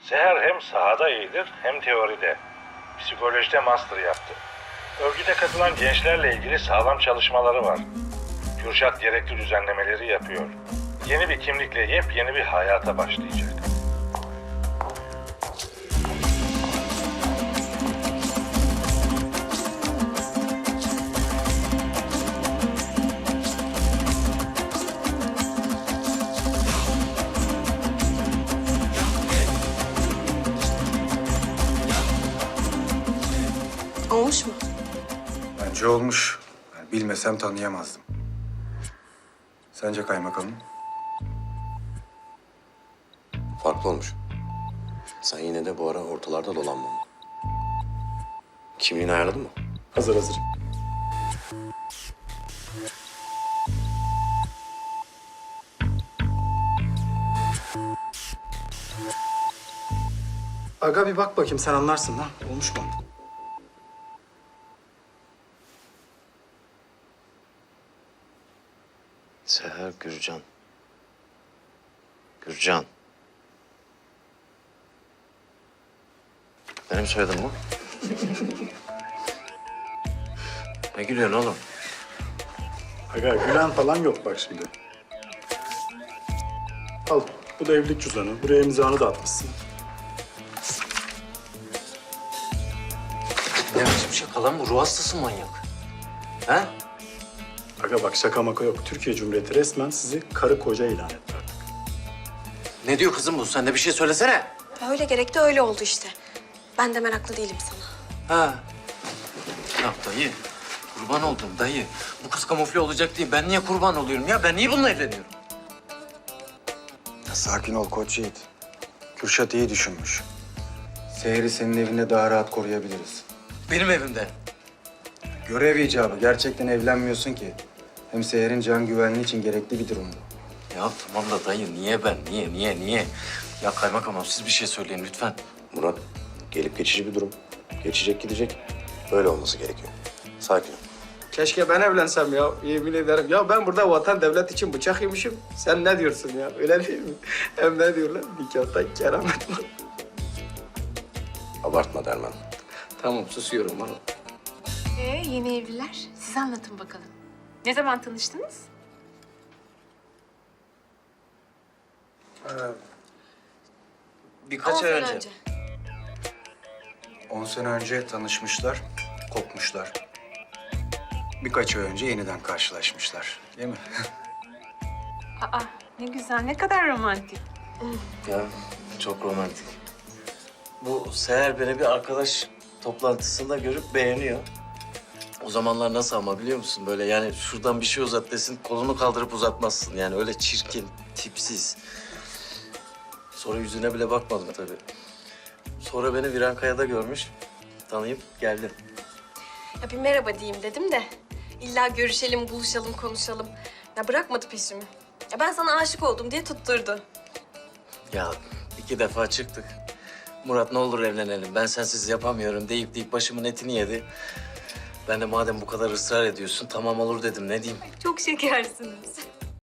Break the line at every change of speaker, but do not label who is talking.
Seher hem sahada iyidir hem teoride. Psikolojide master yaptı. Örgüte katılan gençlerle ilgili sağlam çalışmaları var. Kürşat gerekli düzenlemeleri yapıyor. Yeni bir kimlikle yepyeni bir hayata başlayacak.
Olmuş mu?
Bence olmuş. Yani bilmesem tanıyamazdım. Sence kaymakamım?
Farklı olmuş. Sen yine de bu ara ortalarda dolanma. Kimliğini ayarladın mı?
Hazır.
Aga bir bak bakayım sen anlarsın lan. Olmuş mu?
Seher Gürcan. Gürcan. Benim soyadım bu. Ne gülüyorsun oğlum?
Aga gülen falan yok bak şimdi. Al bu da evlilik cüzdanı. Buraya imzanı da atmışsın.
Ne biçim şaka lan bu? Ruh hastası manyak. He?
Aga bak şaka maka yok. Türkiye Cumhuriyeti resmen sizi karı koca ilan etti artık.
Ne diyor kızım bu? Sen de bir şey söylesene.
Öyle gerekti, öyle oldu işte. Ben de meraklı değilim sana.
Ha. Ya dayı, kurban oldum dayı. Bu kız kamufle olacak diye ben niye kurban oluyorum ya? Ben niye bununla evleniyorum?
Ya sakin ol Koç Yiğit. Kürşat iyi düşünmüş. Seher'i senin evinde daha rahat koruyabiliriz.
Benim evimde.
Görev icabı. Gerçekten evlenmiyorsun ki. Hem Seher'in can güvenliği için gerekli bir durum bu.
Ya tamam da dayı niye ben? Niye? Ya kaymakamım siz bir şey söyleyin lütfen.
Murat, gelip geçici bir durum. Geçecek gidecek. Böyle olması gerekiyor. Sakin ol.
Keşke ben evlensem ya, yemin ederim. Ya ben burada vatan devlet için bıçak yemişim. Sen ne diyorsun ya, öyle değil mi? Hem ne diyorlar, nikahta keramet var.
Abartma Derman.
Tamam, susuyorum bana.
Yeni evliler. Siz anlatın bakalım. Ne zaman tanıştınız?
Birkaç
10
ay
sene
önce.
10 sene önce tanışmışlar, kopmuşlar. Birkaç ay önce yeniden karşılaşmışlar. Değil mi?
Aa, ne güzel, ne kadar romantik.
Ya çok romantik. Bu Seher beni bir arkadaş toplantısında görüp beğeniyor. O zamanlar nasıl ama biliyor musun? Böyle yani şuradan bir şey uzat desin, kolunu kaldırıp uzatmazsın. Yani öyle çirkin, tipsiz. Sonra yüzüne bile bakmadım tabii. Sonra beni Virankaya'da görmüş, tanıyıp geldim.
Ya bir merhaba diyeyim dedim de. İlla görüşelim, buluşalım, konuşalım. Ya bırakmadı peşimi. Ya ben sana aşık oldum diye tutturdu.
Ya 2 defa çıktık. Murat ne olur evlenelim, ben sensiz yapamıyorum deyip başımın etini yedi. Ben de madem bu kadar ısrar ediyorsun, tamam olur dedim, ne diyeyim?
Çok şekersiniz.